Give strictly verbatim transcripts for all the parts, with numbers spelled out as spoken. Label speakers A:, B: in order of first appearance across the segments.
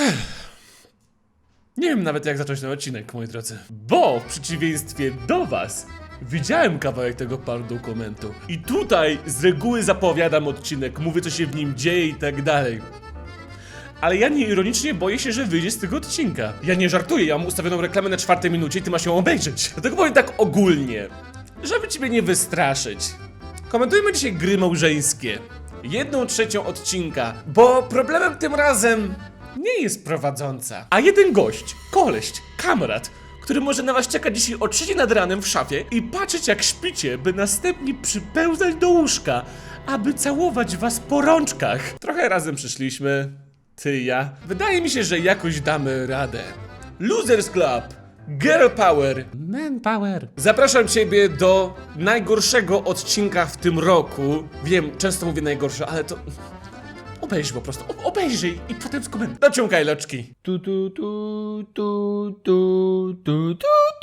A: Nie wiem nawet jak zacząć ten odcinek, moi drodzy. Bo w przeciwieństwie do was widziałem kawałek tego dokumentu. I tutaj z reguły zapowiadam odcinek, mówię co się w nim dzieje i tak dalej. Ale ja nieironicznie boję się, że wyjdzie z tego odcinka. Ja nie żartuję, ja mam ustawioną reklamę na czwartej minucie i ty masz ją obejrzeć. Dlatego powiem tak ogólnie, żeby ciebie nie wystraszyć. Komentujmy dzisiaj gry małżeńskie. Jedną trzecią odcinka, bo problemem tym razem nie jest prowadząca, a jeden gość, koleś, kamrat, który może na was czekać dzisiaj o trzeciej nad ranem w szafie i patrzeć jak śpicie, by następnie przypełzać do łóżka, aby całować was po rączkach. Trochę razem przyszliśmy, ty i ja. Wydaje mi się, że jakoś damy radę. Losers Club, Girl Power, Man Power. Zapraszam ciebie do najgorszego odcinka w tym roku. Wiem, często mówię najgorsze, ale to... Obejrzyj po prostu, o- obejrzyj i potem skomentuj. Dociągaj loczki.
B: Tu tu tu tu tu tu tu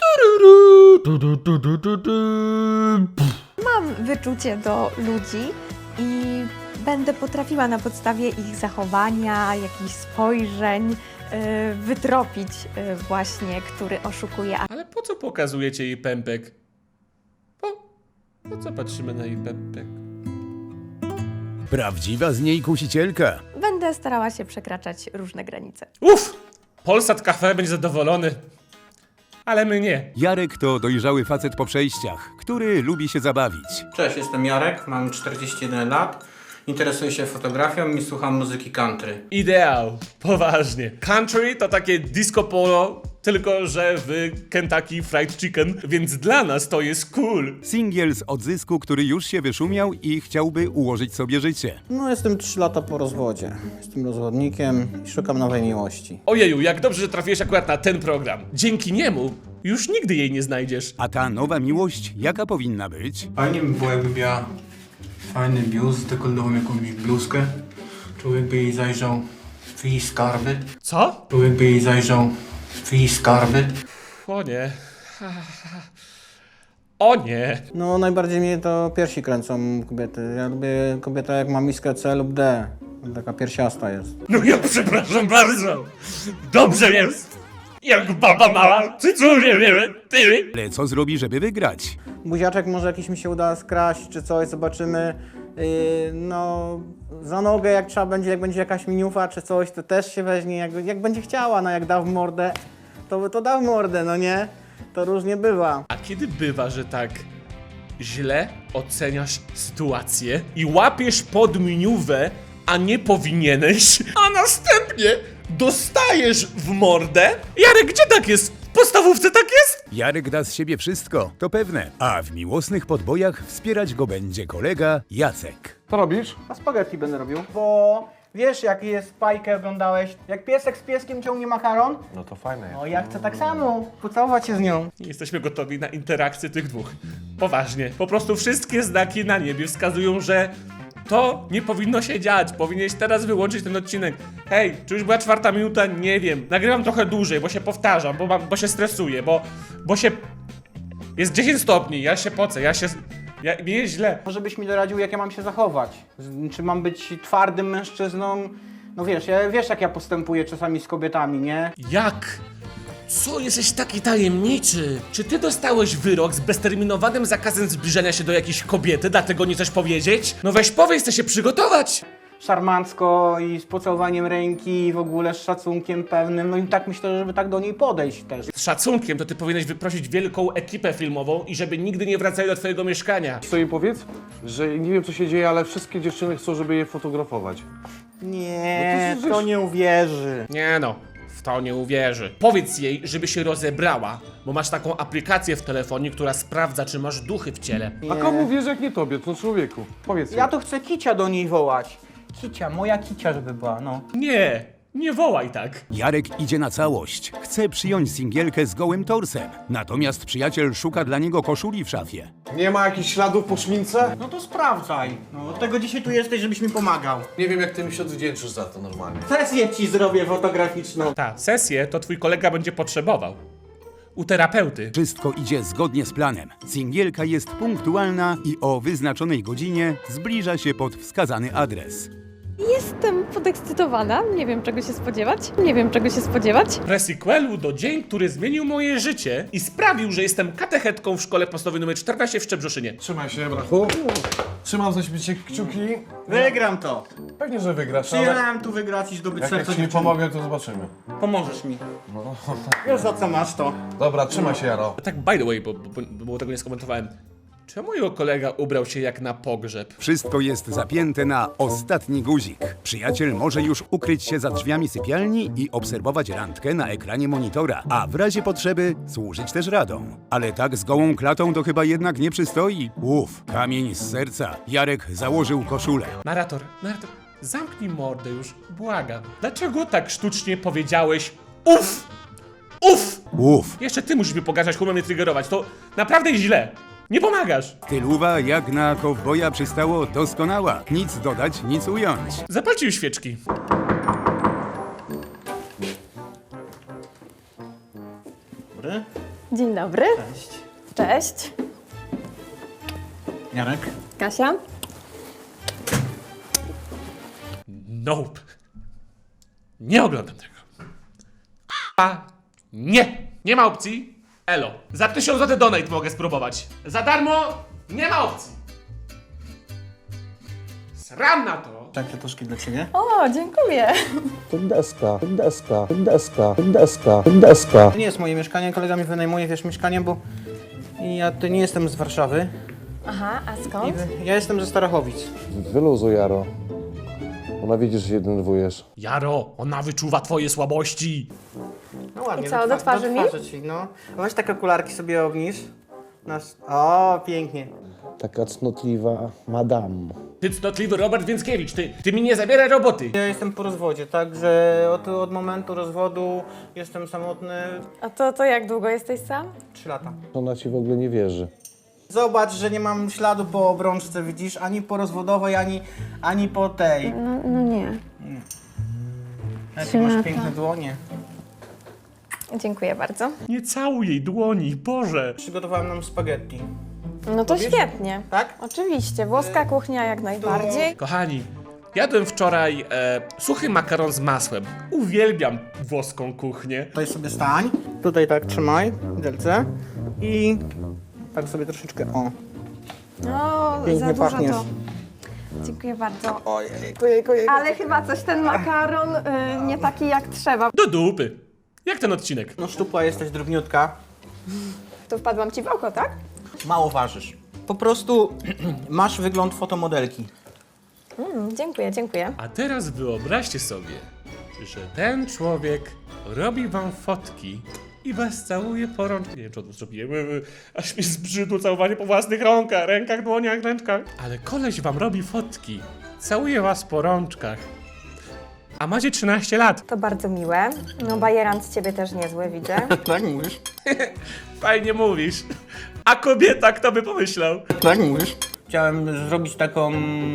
B: tu tu tu tu tu tu tu.
C: Mam wyczucie do ludzi i będę potrafiła na podstawie ich zachowania, jakichś spojrzeń yy, wytropić yy, właśnie, który oszukuje.
A: Ale po co pokazujecie jej pępek? Po, po co patrzymy na jej pępek?
B: Prawdziwa z niej kusicielka.
C: Będę starała się przekraczać różne granice.
A: Uff! Polsat Cafe będzie zadowolony. Ale my nie.
B: Jarek to dojrzały facet po przejściach, który lubi się zabawić.
D: Cześć, jestem Jarek, mam czterdzieści jeden lat, interesuję się fotografią i słucham muzyki country.
A: Ideał. Poważnie. Country to takie disco polo, tylko że w Kentucky Fried Chicken, więc dla nas to jest cool.
B: Singiel z odzysku, który już się wyszumiał i chciałby ułożyć sobie życie.
D: No jestem trzy lata po rozwodzie, jestem rozwodnikiem i szukam nowej miłości.
A: Ojeju, jak dobrze, że trafiłeś akurat na ten program. Dzięki niemu już nigdy jej nie znajdziesz.
B: A ta nowa miłość jaka powinna być?
D: Fajnie by było, jakby miała fajny biust, dekolową jakąś bluzkę. Człowiek by jej zajrzał w jej skarby.
A: Co?
D: Człowiek by jej zajrzał w jej skarby.
A: O nie. O nie.
D: No najbardziej mnie to piersi kręcą kobiety. Ja lubię kobietę jak ma miskę C lub D. Taka piersiasta jest.
A: No ja przepraszam bardzo. Dobrze jest. Jak baba mała. Ty co nie wiemy? Ty.
B: Ale co zrobi, żeby wygrać?
D: Buziaczek może jakiś mi się uda skraść czy coś, zobaczymy. Yy, no za nogę jak trzeba będzie, jak będzie jakaś miniufa czy coś, to też się weźmie, jak, jak będzie chciała, no jak da w mordę, to, to da w mordę, no nie? To różnie bywa.
A: A kiedy bywa, że tak źle oceniasz sytuację i łapiesz pod miniuwę, a nie powinieneś, a następnie dostajesz w mordę? Jarek, gdzie tak jest? W podstawówce tak jest?
B: Jarek da z siebie wszystko, to pewne. A w miłosnych podbojach wspierać go będzie kolega Jacek.
E: Co robisz?
D: A spaghetti będę robił. Bo wiesz jak jest bajkę oglądałeś, jak piesek z pieskiem ciągnie makaron?
E: No to fajne.
D: No ja chcę tak samo, pocałować się z nią.
A: Nie jesteśmy gotowi na interakcję tych dwóch. Poważnie. Po prostu wszystkie znaki na niebie wskazują, że to nie powinno się dziać. Powinieneś teraz wyłączyć ten odcinek. Hej, czy już była czwarta minuta? Nie wiem. Nagrywam trochę dłużej, bo się powtarzam, bo, mam, bo się stresuję, bo, bo się... Jest dziesięć stopni, ja się pocę, ja się... Ja, mi jest źle.
D: Może byś mi doradził, jak ja mam się zachować? Z- Czy mam być twardym mężczyzną? No wiesz, ja, wiesz jak ja postępuję czasami z kobietami, nie?
A: Jak? Co, jesteś taki tajemniczy? Czy ty dostałeś wyrok z bezterminowanym zakazem zbliżania się do jakiejś kobiety, dlatego nie chcesz powiedzieć? No weź powiedz, chcę się przygotować.
D: Szarmancko i z pocałowaniem ręki i w ogóle z szacunkiem pewnym. No i tak myślę, żeby tak do niej podejść też.
A: Z szacunkiem to ty powinieneś wyprosić wielką ekipę filmową i żeby nigdy nie wracali do twojego mieszkania.
E: Co jej powiedz? Że nie wiem co się dzieje, ale wszystkie dziewczyny chcą, żeby je fotografować.
D: Nie,
E: No to
D: to
E: przecież-
D: nie uwierzy.
A: Nie no, w to nie uwierzy. Powiedz jej, żeby się rozebrała, bo masz taką aplikację w telefonie, która sprawdza, czy masz duchy w ciele.
E: A
D: Nie.
E: komu wierzy jak nie tobie, to człowieku? Powiedz
D: Ja
E: jej.
D: to chcę Kicia do niej wołać. Kicia, moja Kicia żeby była, no.
A: Nie, nie wołaj tak.
B: Jarek idzie na całość. Chce przyjąć singielkę z gołym torsem. Natomiast przyjaciel szuka dla niego koszuli w szafie.
E: Nie ma jakichś śladów po szmince?
D: No to sprawdzaj. No od tego dzisiaj tu jesteś, żebyś mi pomagał.
E: Nie wiem jak ty mi się odwdzięczysz za to normalnie.
D: Sesję ci zrobię fotograficzną.
A: Ta sesję to twój kolega będzie potrzebował. U terapeuty.
B: Wszystko idzie zgodnie z planem. Singielka jest punktualna i o wyznaczonej godzinie zbliża się pod wskazany adres.
C: Jestem podekscytowana, nie wiem czego się spodziewać, nie wiem czego się spodziewać.
A: Presequelu do dzień, który zmienił moje życie i sprawił, że jestem katechetką w szkole podstawowej numer czternaście w Szczebrzeszynie.
E: Trzymaj się, brachu. Trzymam za ciebie kciuki.
D: Wygram to.
E: Pewnie, że wygrasz, ale
D: Przyjechałem tu wygrać i zdobyć
E: jak, jak
D: serce
E: ci nie
D: dziewczyny.
E: pomogę, to zobaczymy.
D: Pomożesz mi. Wiesz za co masz to.
E: Dobra, trzymaj się, Jaro.
A: Tak by the way, bo, bo, bo tego nie skomentowałem. Czemu jego kolega ubrał się jak na pogrzeb?
B: Wszystko jest zapięte na ostatni guzik. Przyjaciel może już ukryć się za drzwiami sypialni i obserwować randkę na ekranie monitora, a w razie potrzeby służyć też radą. Ale tak z gołą klatą to chyba jednak nie przystoi. Uf, kamień z serca. Jarek założył koszulę.
A: Narrator, narrator, zamknij mordę już, błagam. Dlaczego tak sztucznie powiedziałeś uff? Uff!
B: Uf,
A: Jeszcze ty musisz mi pogarszać, humor mnie triggerować, to naprawdę źle. Nie pomagasz.
B: stylowa jak na kowboja przystało doskonała. Nic dodać, nic ująć.
A: Zapalcie już świeczki.
D: Dobry.
C: Dzień dobry.
D: Cześć.
C: Cześć.
D: Jarek.
C: Kasia.
A: Nope. Nie oglądam tego. A nie. Nie ma opcji. Elo. Za tysiąc złotych donate mogę spróbować. Za darmo nie ma opcji. Sram na to.
D: Tak, kwiatuszki dla ciebie.
C: O, dziękuję.
F: Deska, deska, deska, deska, deska.
D: To nie jest moje mieszkanie, kolega mi wynajmuje, wiesz, mieszkanie, bo ja to nie jestem z Warszawy.
C: Aha, a
D: I
C: skąd?
D: wy- ja jestem ze Starachowic.
F: Wyluzuj, Jaro. Ona widzi, że się denerwujesz.
A: Jaro, ona wyczuwa twoje słabości.
D: No ładnie.
C: I co, do twarzy mi?
D: do ci, no. Weź takie okularki sobie obniż. Nasz... O, pięknie.
F: Taka cnotliwa madame.
A: Ty cnotliwy Robert Więckiewicz, ty, ty mi nie zabieraj roboty.
D: Ja jestem po rozwodzie, także od, od momentu rozwodu jestem samotny
C: A to, to jak długo jesteś sam?
D: trzy lata.
F: Ona ci w ogóle nie wierzy.
D: Zobacz, że nie mam śladu po obrączce, widzisz? Ani po rozwodowej, ani, ani po tej.
C: No, no nie.
D: Jakie masz piękne dłonie.
C: Dziękuję bardzo.
A: Nie całuj jej dłoni, Boże.
D: Przygotowałem nam spaghetti.
C: No to świetnie.
D: Tak?
C: Oczywiście, włoska kuchnia jak najbardziej.
A: Kochani, jadłem wczoraj e, suchy makaron z masłem. Uwielbiam włoską kuchnię.
D: Tutaj sobie stań. Tutaj tak trzymaj, widelce. I tak sobie troszeczkę, o.
C: No,
D: Pięknie
C: za dużo
D: pachniesz.
C: to. Dziękuję bardzo.
D: Ojej, ojej, ojej.
C: Ale chyba coś ten makaron y, nie taki jak trzeba.
A: Do dupy. Jak ten odcinek?
D: No szczupła jesteś, drobniutka.
C: Tu wpadłam ci w oko, tak?
D: Mało ważysz. Po prostu masz wygląd fotomodelki.
C: Mm, dziękuję, dziękuję.
A: A teraz wyobraźcie sobie, że ten człowiek robi wam fotki i was całuje po rączkach. Nie wiem, czy to zrobiłem, aż mi zbrzydło całowanie po własnych rąkach, rękach, dłoniach, ręczkach. Ale koleś wam robi fotki, całuje was po rączkach. A macie trzynaście lat.
C: To bardzo miłe. No bajerant z ciebie też niezły, widzę.
D: Tak mówisz?
A: Fajnie mówisz. A kobieta, kto by pomyślał?
D: Tak mówisz? Chciałem zrobić taką,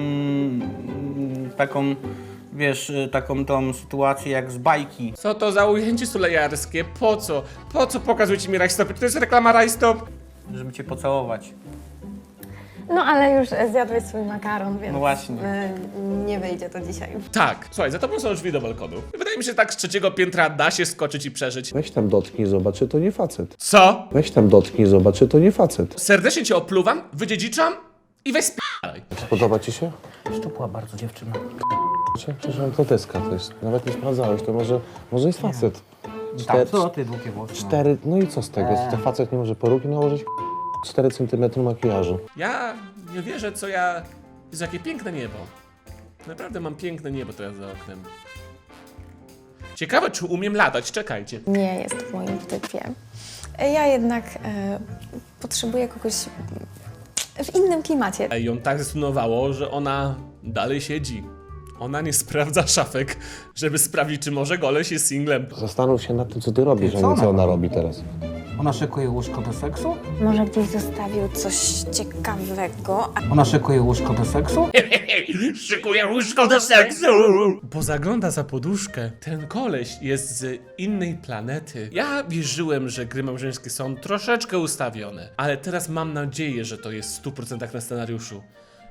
D: taką, wiesz, taką tą sytuację jak z bajki.
A: Co to za ujęcie sulejarskie? Po co? Po co pokazujecie mi rajstop? Czy to jest reklama rajstop?
D: Żeby cię pocałować.
C: No ale już zjadłeś swój makaron, więc
D: No właśnie.
C: y, nie wyjdzie to dzisiaj.
A: Tak. Słuchaj, za tobą są drzwi do balkonu. Wydaje mi się, że tak z trzeciego piętra da się skoczyć i przeżyć.
F: Weź tam dotknij, zobacz, czy to nie facet.
A: Co?
F: Weź tam dotknij, zobacz, czy to nie facet.
A: Serdecznie cię opluwam, wydziedziczam i weź sp***aj.
F: Podoba ci się?
D: Szczupła bardzo dziewczyna.
F: Przepraszam, to deska to jest. Nawet nie sprawdzałeś, to może, może jest facet.
D: Tak,
F: Cztery,
D: co ty długie włosy?
F: cztery, no i co z tego? To facet nie może peruki nałożyć? cztery centymetry makijażu.
A: Ja nie wierzę, co ja... Jezu, jakie piękne niebo. Naprawdę mam piękne niebo teraz za oknem. Ciekawe, czy umiem latać. Czekajcie.
C: Nie jest w moim typie. Ja jednak e, potrzebuję kogoś w innym klimacie.
A: Ej, ją tak zdenerwowało, że ona dalej siedzi. Ona nie sprawdza szafek, żeby sprawdzić, czy może goleś jest singlem.
F: Zastanów się nad tym, co ty robisz,
D: Ty,
F: a
D: co
F: nie co
D: ona
F: ona robi teraz.
D: Ona szykuje łóżko do seksu?
C: Może gdzieś zostawił coś ciekawego. A
D: Ona szykuje łóżko do seksu?
A: Szykuję łóżko do seksu! Bo zagląda za poduszkę. Ten koleś jest z innej planety. Ja wierzyłem, że gry małżeńskie są troszeczkę ustawione, ale teraz mam nadzieję, że to jest w stu procentach na scenariuszu.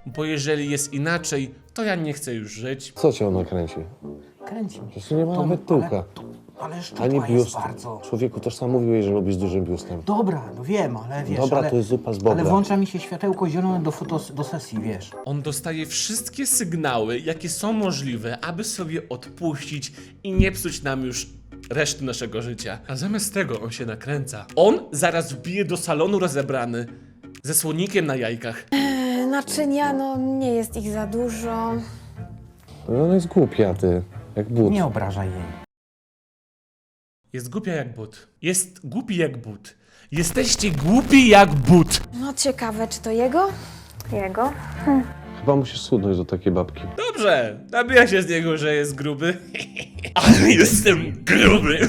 A: bo jeżeli jest inaczej, to ja nie chcę już żyć.
F: Co cię ona kręci?
D: Kręci mnie.
F: Przecież tu nie ma
D: To-
F: nawet tyłka.
D: ale- Ale szczupła
F: Ani
D: jest
F: biust.
D: bardzo.
F: Człowieku, też sam mówiłeś, że lubisz z dużym biustem.
D: Dobra, no wiem, ale wiesz,
F: Dobra,
D: ale,
F: to jest zupa z bobra.
D: ale włącza mi się światełko zielone do fotos, do sesji, wiesz.
A: On dostaje wszystkie sygnały, jakie są możliwe, aby sobie odpuścić i nie psuć nam już reszty naszego życia. A zamiast tego on się nakręca. On zaraz wbije do salonu rozebrany, ze słonikiem na jajkach.
C: Naczynia, no nie jest ich za dużo.
F: No ona jest głupia, ty. Jak but.
D: Nie obrażaj jej.
A: Jest głupia jak but. Jest głupi jak but. Jesteście głupi jak but.
C: No ciekawe, czy to jego? Jego?
F: Chyba musisz schudnąć do takiej babki.
A: Dobrze, nabija się z niego, że jest gruby. Ale jestem gruby.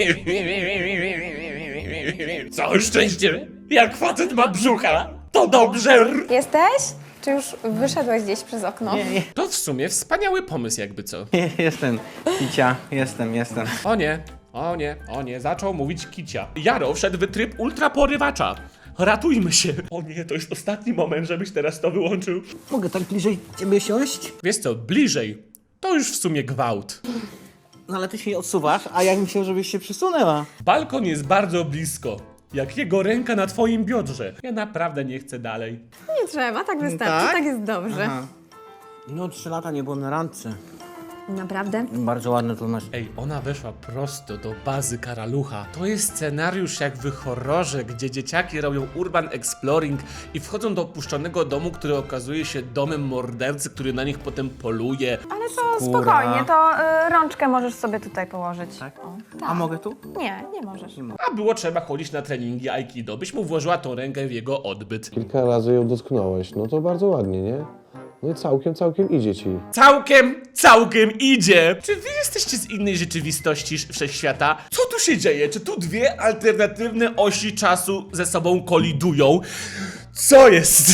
A: Całe szczęście, jak facet ma brzucha, to dobrze.
C: Jesteś? Czy już wyszedłeś gdzieś przez okno?
D: Nie, nie,
A: To w sumie wspaniały pomysł jakby co.
D: nie, jestem. Kicia, jestem, jestem.
A: O nie, o nie, o nie, zaczął mówić kicia. Jaro wszedł w tryb ultraporywacza. Ratujmy się. O nie, to jest ostatni moment, żebyś teraz to wyłączył.
D: Mogę tak bliżej ciebie siąść?
A: Wiesz co, bliżej. To już w sumie gwałt.
D: No ale ty się odsuwasz, a ja bym chciał, żebyś się przysunęła.
A: Balkon jest bardzo blisko. Jak jego ręka na twoim biodrze. Ja naprawdę nie chcę dalej.
C: Nie trzeba, tak wystarczy,
D: Tak?
C: tak, jest dobrze.
D: Aha. No trzy lata nie byłem na randce.
C: Naprawdę?
D: Bardzo ładne to masz.
A: Ej, ona weszła prosto do bazy Karalucha. To jest scenariusz jak w horrorze, gdzie dzieciaki robią urban exploring i wchodzą do opuszczonego domu, który okazuje się domem mordercy, który na nich potem poluje.
C: Ale to
D: Skóra.
C: spokojnie, to y, rączkę możesz sobie tutaj położyć.
D: Tak?
C: O,
D: A mogę tu?
C: Nie, nie możesz.
A: A było trzeba chodzić na treningi Aikido, byś mu włożyła tą rękę w jego odbyt.
F: Kilka razy ją dotknąłeś. No to bardzo ładnie, nie? No i całkiem, całkiem idzie ci.
A: Całkiem, całkiem idzie! Czy wy jesteście z innej rzeczywistości sz- wszechświata? Co tu się dzieje? Czy tu dwie alternatywne osi czasu ze sobą kolidują? Co jest?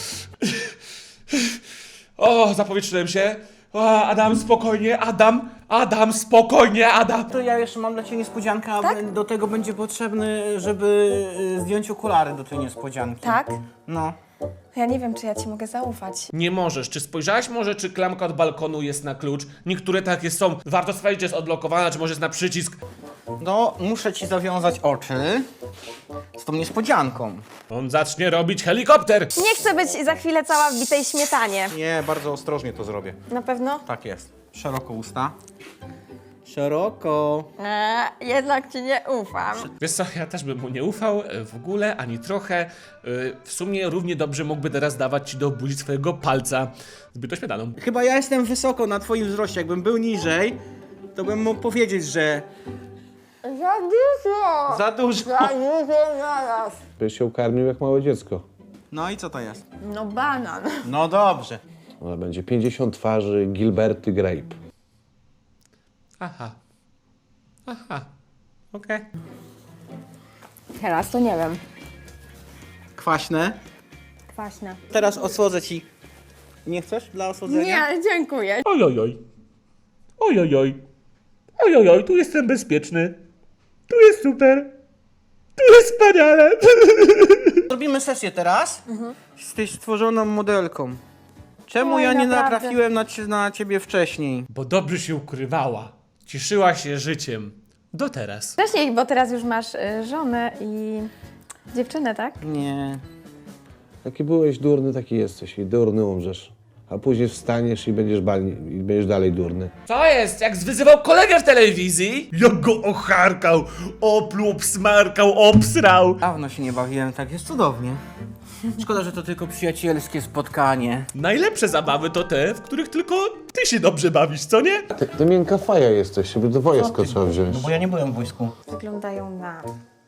A: O, zapowietrzyłem się. O, Adam, spokojnie, Adam, Adam, spokojnie, Adam.
D: To ja jeszcze mam dla ciebie niespodziankę, a
C: Tak?
D: do tego będzie potrzebny, żeby y, zdjąć okulary do tej niespodzianki.
C: Tak?
D: No.
C: Ja nie wiem, czy ja ci mogę zaufać.
A: Nie możesz. Czy spojrzałaś może, czy klamka od balkonu jest na klucz? Niektóre takie są. Warto sprawdzić, czy jest odblokowana, czy może jest na przycisk.
D: No, muszę ci zawiązać oczy z tą niespodzianką.
A: On zacznie robić helikopter.
C: Nie chcę być za chwilę cała w bitej śmietanie.
E: Nie, bardzo ostrożnie to zrobię.
C: Na pewno?
E: Tak jest.
D: Szeroko usta. Szeroko.
C: Eee, jednak ci nie ufam.
A: Wiesz co, ja też bym mu nie ufał e, w ogóle, ani trochę. E, W sumie równie dobrze mógłby teraz dawać ci do buzi swojego palca zbyt ośmietaną.
D: Chyba ja jestem wysoko na twoim wzroście. Jakbym był niżej, to bym mógł powiedzieć, że
C: Za dużo!
D: za dużo.
C: Za dużo zaraz.
F: Byś się karmił jak małe dziecko.
D: No i co to jest?
C: No banan.
D: No dobrze.
F: Ale będzie pięćdziesiąt twarzy Gilberty Grape.
A: Aha. Aha. Okej.
C: Teraz to nie wiem.
D: Kwaśne.
C: Kwaśne.
D: Teraz osłodzę ci. Nie chcesz dla osłodzenia?
C: Nie, dziękuję.
A: Ojojoj. Ojojoj. Ojojoj, tu jestem bezpieczny. Tu jest super. Tu jest wspaniale.
D: Zrobimy sesję teraz. Jesteś stworzoną modelką. Czemu
C: Oj,
D: ja nie
C: naprawdę.
D: natrafiłem na, cie- na ciebie wcześniej?
A: Bo dobrze się ukrywała. Cieszyła się życiem. Do teraz.
C: Wcześniej, bo teraz już masz y, żonę i dziewczynę, tak?
D: Nie.
F: Jaki byłeś durny, taki jesteś i durny umrzesz. A później wstaniesz i będziesz, balni, i będziesz dalej durny.
A: Co jest? Jak zwyzywał kolegę w telewizji? Jak go ocharkał, opluł, obsmarkał, obsrał.
D: Dawno się nie bawiłem, tak jest cudownie. Szkoda, że to tylko przyjacielskie spotkanie.
A: Najlepsze zabawy to te, w których tylko ty się dobrze bawisz, co nie?
F: Ty, ty miękka faja jesteś, żeby do wojska trzeba wziąć.
D: No bo ja nie byłem w wojsku.
C: Wyglądają na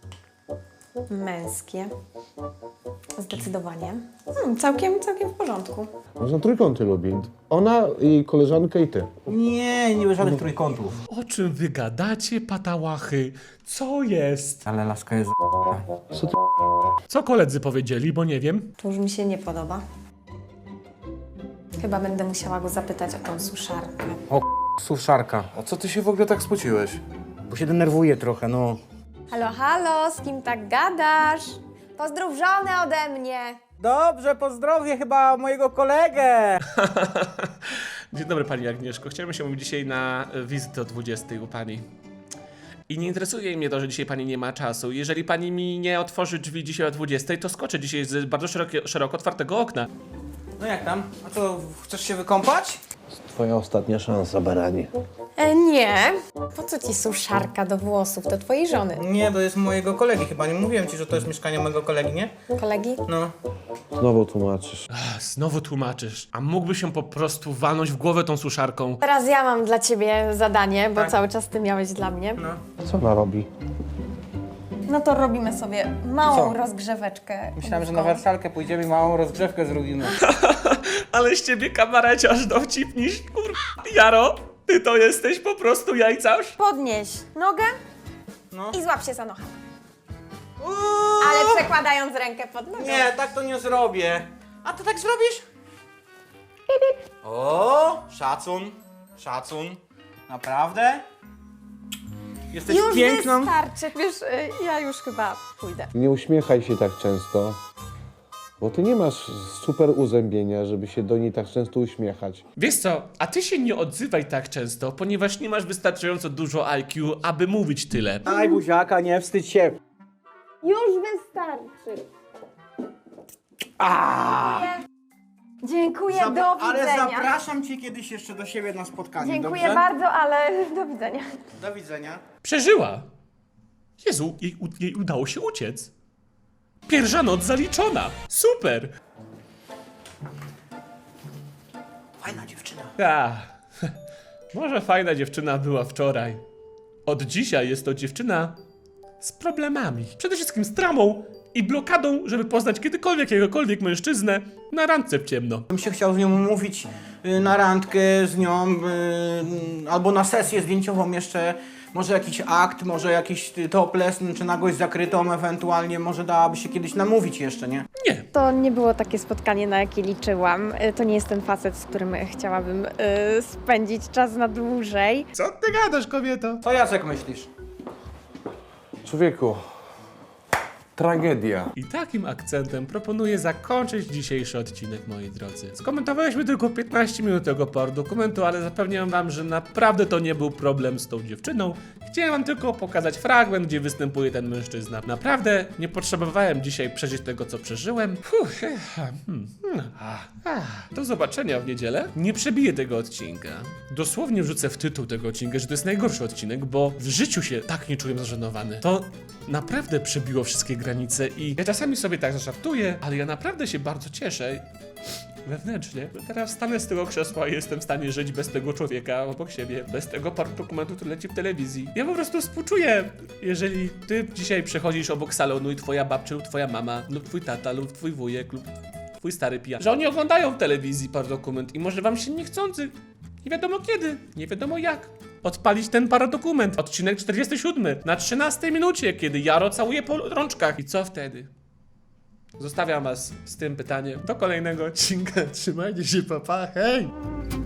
C: męskie. Zdecydowanie. Hmm, całkiem, całkiem w porządku.
F: Można trójkąty lubi. Ona i koleżanka i ty.
D: Nie, nie było żadnych trójkątów.
A: O czym wy gadacie, patałachy? Co jest?
D: Ale laska jest
F: Co ty
A: Co koledzy powiedzieli, bo nie wiem.
C: To już mi się nie podoba. Chyba będę musiała go zapytać o tą suszarkę.
E: Suszarka. O co ty się w ogóle tak spociłeś?
D: Bo się denerwuję trochę, no.
C: Halo, halo, z kim tak gadasz? Pozdrów żonę ode mnie.
D: Dobrze, pozdrowię chyba mojego kolegę.
A: Dzień dobry pani Agnieszko. Chciałem się umówić dzisiaj na wizytę o dwudziestej u pani. I nie interesuje mnie to, że dzisiaj pani nie ma czasu. Jeżeli pani mi nie otworzy drzwi dzisiaj o dwudziestej, to skoczę dzisiaj z bardzo szerokie, szeroko otwartego okna.
D: No jak tam? A co, chcesz się wykąpać?
F: Twoja ostatnia szansa, baranie.
G: E, nie. Po co ci suszarka do włosów? To twojej żony.
D: Nie, to jest mojego kolegi chyba. Nie mówiłem ci, że to jest mieszkanie mojego kolegi, nie?
G: Kolegi?
D: No.
F: Znowu tłumaczysz.
A: Ach, znowu tłumaczysz. A mógłby się po prostu walnąć w głowę tą suszarką.
G: Teraz ja mam dla ciebie zadanie, bo
D: Tak.
G: cały czas ty miałeś dla mnie.
D: No.
F: Co ona robi?
G: No to robimy sobie małą
D: Co?
G: rozgrzeweczkę.
D: Myślałem, że na wersalkę pójdziemy i małą rozgrzewkę zrobimy.
A: Ale z ciebie kabareciarz dowcipnisz, kur... Jaro, ty to jesteś po prostu jajcarz?
G: Podnieś nogę
D: No.
G: i złap się za nocha.
D: Uuu!
G: Ale przekładając rękę pod nogę.
D: Nie, tak to nie zrobię. A ty tak zrobisz? O, szacun, szacun. Naprawdę? Jesteś
G: Już
D: piękną.
G: wystarczy. Wiesz, y, ja już chyba pójdę.
F: Nie uśmiechaj się tak często, bo ty nie masz super uzębienia, żeby się do niej tak często uśmiechać.
A: Wiesz co, a ty się nie odzywaj tak często, ponieważ nie masz wystarczająco dużo I Q, aby mówić tyle.
D: Aj, buziaka, nie wstydź się.
G: Już wystarczy. Dziękuję,
D: Zap-
G: do
D: ale
G: widzenia.
D: zapraszam cię kiedyś jeszcze do siebie na spotkanie,
G: Dziękuję
D: dobrze?
G: bardzo, ale do widzenia.
D: Do widzenia.
A: Przeżyła. Jezu, jej, u- jej udało się uciec. Pierwsza noc zaliczona. Super.
D: Fajna dziewczyna.
A: A, może fajna dziewczyna była wczoraj. Od dzisiaj jest to dziewczyna z problemami. Przede wszystkim z tramą i blokadą, żeby poznać kiedykolwiek jakiegokolwiek mężczyznę na randce w ciemno.
D: Bym się chciał z nią umówić y, na randkę z nią, y, albo na sesję zdjęciową jeszcze. Może jakiś akt, może jakiś y, topless, czy nagość zakrytą ewentualnie. Może dałaby się kiedyś namówić jeszcze, nie?
A: Nie,
C: To nie było takie spotkanie, na jakie liczyłam. Y, To nie jest ten facet, z którym chciałabym y, spędzić czas na dłużej.
A: co ty gadasz, kobieto?
D: Co Jacek myślisz?
F: Człowieku, tragedia.
A: I takim akcentem proponuję zakończyć dzisiejszy odcinek, moi drodzy. Skomentowaliśmy tylko piętnaście minut tego par dokumentu, ale zapewniam wam, że naprawdę to nie był problem z tą dziewczyną. Chciałem wam tylko pokazać fragment, gdzie występuje ten mężczyzna. Naprawdę nie potrzebowałem dzisiaj przeżyć tego, co przeżyłem. Fuh, eh, hmm, hmm, ah, ah. Do zobaczenia w niedzielę. Nie przebiję tego odcinka. Dosłownie wrzucę w tytuł tego odcinka, że to jest najgorszy odcinek, bo w życiu się tak nie czułem zażenowany. To naprawdę przebiło wszystkie granice i ja czasami sobie tak zażartuję, ale ja naprawdę się bardzo cieszę wewnętrznie. Teraz wstanę z tego krzesła i jestem w stanie żyć bez tego człowieka obok siebie, bez tego paru dokumentu, który leci w telewizji. Ja po prostu współczuję, jeżeli ty dzisiaj przechodzisz obok salonu i twoja babcia lub twoja mama lub twój tata lub twój wujek lub twój stary pijak, że oni oglądają w telewizji par dokument i może wam się niechcący, nie wiadomo kiedy, nie wiadomo jak, odpalić ten paradokument. Odcinek czterdziesty siódmy na trzynastej minucie, kiedy Jaro całuje po rączkach. I co wtedy? Zostawiam was z tym pytaniem do kolejnego odcinka. Trzymajcie się, papa, hej!